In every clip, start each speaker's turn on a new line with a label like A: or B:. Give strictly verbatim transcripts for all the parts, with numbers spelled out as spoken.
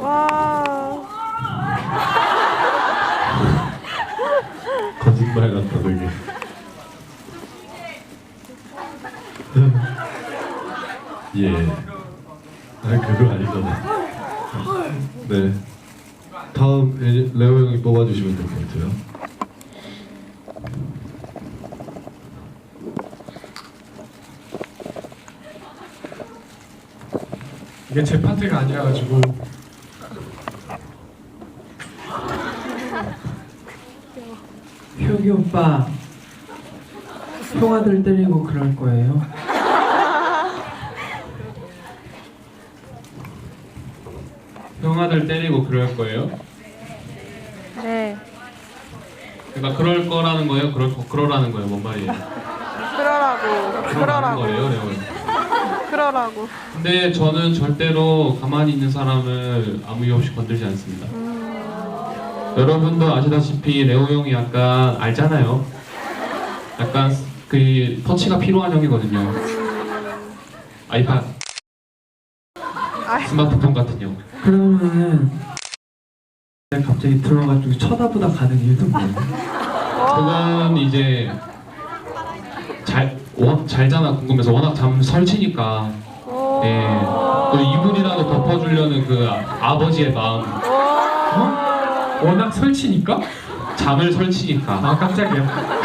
A: 와.
B: 거짓말 같다 되게. 예. 아 그거 아니잖아. 네. 다음 이제 레오 형이 뽑아주시면 될 것 같아요.
C: 이게 제 파트가 아니라가지고
D: 효기 오빠 형아들 때리고 그럴 거예요?
E: 형아들 때리고 그럴 거예요?
A: 네.
E: 그러니까 그럴 거라는 거예요? 그럴 거, 그러라는 거예요? 뭔 말이에요?
A: 그러라고.
E: 그러라는
A: 그러라고.
E: 거예요, 레오 형.
A: 그러라고.
E: 근데 저는 절대로 가만히 있는 사람을 아무 이유 없이 건들지 않습니다. 여러분도 아시다시피 레오 형이 약간 알잖아요. 약간 그 터치가 필요한 형이거든요. 아이팟, 스마트폰 같은 형.
D: 그러면은 갑자기 들어가지고 쳐다보다 가는 이유는 뭐예요?
E: 그건 이제 잘, 워, 잘잖아 궁금해서 워낙 잠 설치니까 예, 또 이불이라도 덮어주려는 그 아, 아버지의 마음.
C: 어? 워낙 설치니까?
E: 잠을 설치니까.
C: 아 깜짝이야.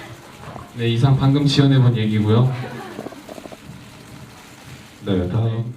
E: 네, 이상 방금 지어내본 얘기고요.
B: 네, 다음